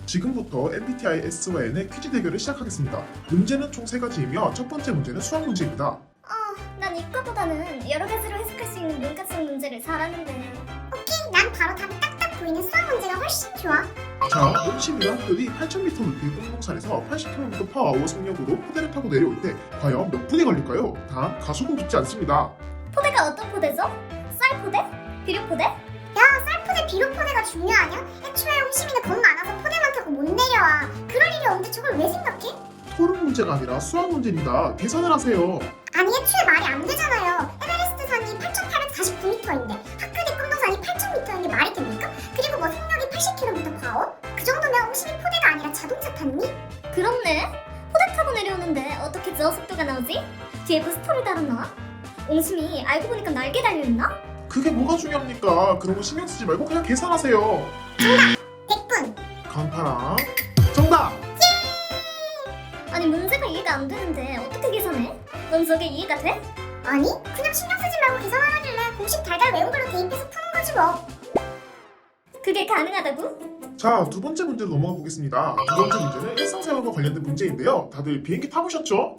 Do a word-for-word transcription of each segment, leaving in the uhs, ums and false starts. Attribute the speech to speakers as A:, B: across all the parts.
A: 지금부터 엠비티아이 S와 N의 퀴즈 대결을 시작하겠습니다. 문제는 총 세 가지이며 첫 번째 문제는 수학 문제입니다.
B: 어, 난 이과보다는 여러 가지로 해석할 수 있는 문과성 문제를 잘하는데.
C: 오케이, 난 바로 답이 딱딱 보이는 수학 문제가 훨씬 좋아.
A: 자, 온실이란 흙들이 팔천 미터 높이 꽁동산에서 팔십 킬로미터 퍼아워 속력으로 포대를 타고 내려올 때 과연 몇 분이 걸릴까요? 단, 가속은 붙지 않습니다.
B: 포대가 어떤 포대죠? 쌀포대? 비료포대?
C: 야, 쌀포대 비료포대가 중요하냐? 애초에 홍시민은 겁 많아서 포대만 타고 못 내려와. 그럴 일이 없는데 저걸 왜 생각해?
A: 토론 문제가 아니라 수학 문제입니다. 계산을 하세요.
C: 아니, 애초에 말이 안 되잖아요. 에베레스트 산이 팔천팔백사십구 미터인데 하크리 끔동산이 팔천 미터인 게 말이 됩니까? 그리고 뭐 속력이 팔십 킬로미터 퍼 아워? 그 정도면 홍시민 포대가 아니라 자동차 탔니?
B: 그렇네. 포대 타고 내려오는데 어떻게 저 속도가 나오지? 뒤에 부스터를 달았나? 옹심이 알고 보니까 날개 달려있나?
A: 그게 뭐가 중요합니까? 그런 거 신경 쓰지 말고 그냥 계산하세요.
C: 백 분.
A: 강파랑 정답!
B: 아니 문제가 이해가 안 되는데 어떻게 계산해? 넌 저게 이해가 돼?
C: 아니, 그냥 신경 쓰지 말고 계산하라길래 공식 달달 외운 걸로 대입해서 푸는 거지 뭐.
B: 그게 가능하다고?
A: 자, 두 번째 문제로 넘어가 보겠습니다. 두 번째 문제는 일상생활과 관련된 문제인데요. 다들 비행기 타보셨죠?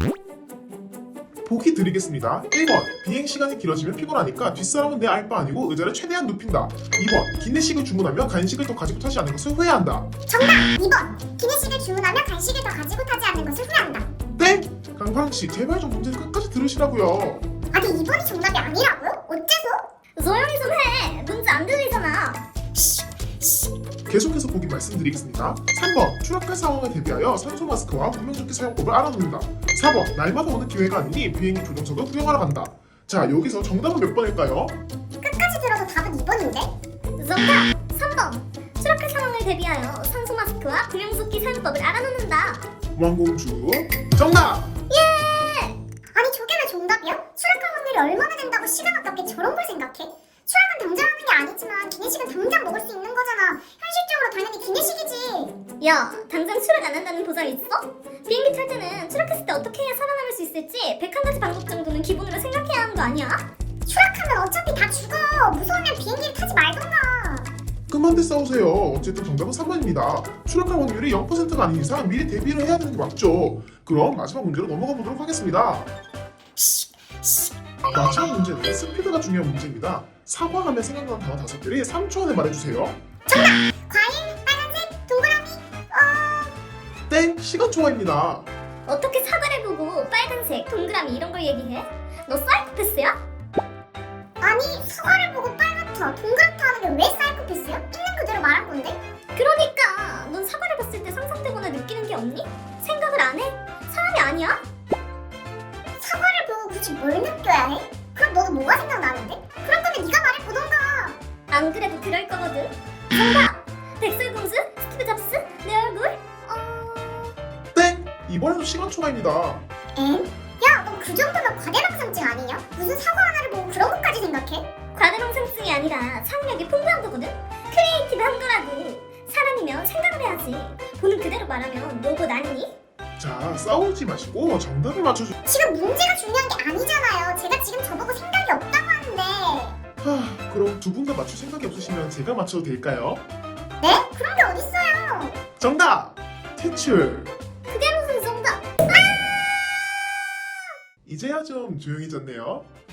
A: 보기 드리겠습니다. 일 번, 비행 시간이 길어지면 피곤하니까 뒷사람은 내 알 바 아니고 의자를 최대한 눕힌다. 이 번, 기내식을 주문하면 간식을 더 가지고 타지 않는 것을 후회한다.
C: 정답! 이 번. 기내식을 주문하면 간식을 더 가지고 타지 않는 것을 후회한다.
A: 땡! 강파랑씨, 제발 좀 문제를 끝까지 들으시라고요.
C: 아니, 이 번이 정답이 아니라고요? 어째서?
B: 조용히 좀 해. 문제 안 들리잖아.
A: 계속해서 보기 말씀드리겠습니다. 삼 번, 추락할 상황에 대비하여 산소 마스크와 구명조끼 사용법을 알아놓는다. 사 번, 날마다 오는 기회가 아니니 비행기 조종석을 구경하러 간다. 자, 여기서 정답은 몇 번일까요?
C: 끝까지 들어서 답은 이 번인데?
B: 정답! 삼 번. 추락할 상황을 대비하여 산소 마스크와 구명조끼 사용법을 알아놓는다.
A: 왕공주 정답!
C: 아니, 저게 왜 정답이야? 추락할 확률이 얼마나 된다고 시간 아깝게 저런 걸 생각해? 추락은 당장 하는 게 아니지만 기내식은 당장 먹을 수 있는 거잖아. 현실적으로 당연히 기내식이지.
B: 야, 당장 추락 안 한다는 보장 있어? 비행기 탈 때는 추락했을 때 어떻게 해야 살아남을 수 있을지 백한 가지 방법 정도는 기본으로 생각해야 하는 거 아니야?
C: 추락하면 어차피 다 죽어. 무서우면 비행기를 타지 말던가.
A: 그만들 싸우세요. 어쨌든 정답은 삼 번입니다. 추락할 확률이 영 퍼센트가 아닌 이상 미리 대비를 해야 되는 게 맞죠. 그럼 마지막 문제로 넘어가 보도록 하겠습니다. 마지막 문제는 스피드가 중요한 문제입니다. 사과하면 생각나는 단어 다섯 개를 삼 초 안에 말해주세요.
C: 과일, 빨간색, 동그라미. 어...
A: 땡! 시간 초과입니다.
B: 어떻게 사과를 보고 빨간색, 동그라미 이런 걸 얘기해? 너 사이코패스야?
C: 아니, 사과를 보고 빨갛다, 동그랗다 하는 게 왜 사이코패스야? 있는 그대로 말한 건데?
B: 그러니까 넌 사과를 봤을 때 상상되거나 느끼는 게 없니? 생각을 안 해? 사람이 아니야?
C: 사과를 보고 굳이 뭘 느껴야 해? 그럼 너는 뭐가 생각나는데? 그럴 거면 네가 말해보던가.
B: 안 그래도 그럴 거거든. 정답! 백설공주? 스티브 잡스? 내 얼굴? 어...
A: 땡! 이번에도 시간 초과입니다.
C: 엥? 야, 너 그 정도면 과대망상증 아니냐? 무슨 사과 하나를 보고 그런 것까지 생각해?
B: 과대망상증이 아니라 창의력이 풍부한 거거든? 크리에이티브한 거라고. 사람이면 생각을 해야지. 보는 그대로 말하면 로봇 아니니?
A: 자, 싸우지 마시고 정답을 맞춰주...
C: 지금 문제가 중요한 게 아니잖아요. 제가 지금 저보고 생각이 없다고 하는데.
A: 하... 그럼 두 분 다 맞출 생각이 없으시면 제가 맞춰도 될까요?
C: 네? 그런 게 어딨어요?
A: 정답! 퇴출!
B: 그게 무슨 정답?
A: 이제야 좀 조용해졌네요.